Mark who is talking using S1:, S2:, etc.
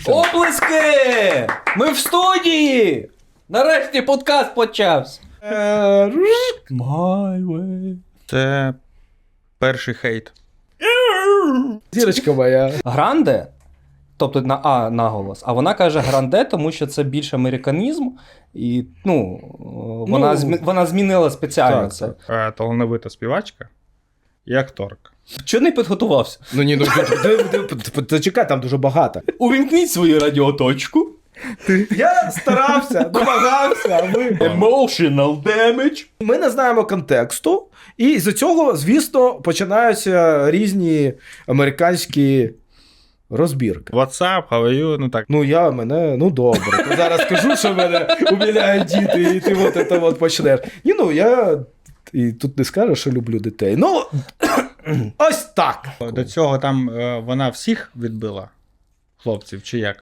S1: Оплески! Ми в студії! Нарешті подкаст почався. My way.
S2: Це перший хейт.
S3: Зірочка моя.
S1: Гранде, тобто на А наголос, а вона каже гранде, тому що це більш американізм, і вона змінила спеціально
S3: так,
S1: це.
S2: Талановита співачка і акторка.
S1: Чого не підготувався?
S3: Ну ні, ну чекай, там дуже багато.
S1: Увімкніть свою радіоточку.
S3: Я старався, домагався, а ви...
S1: Emotional damage.
S3: Ми не знаємо контексту, і з цього, звісно, починаються різні американські розбірки.
S2: WhatsApp, how are you? Ну так.
S3: Ну добре. То зараз скажу, що мене умиляють діти, і ти от почнеш. Ні, ну я і тут не скажу, що люблю дітей. Ну, ось так.
S2: До цього там вона всіх відбила? Хлопців, чи як?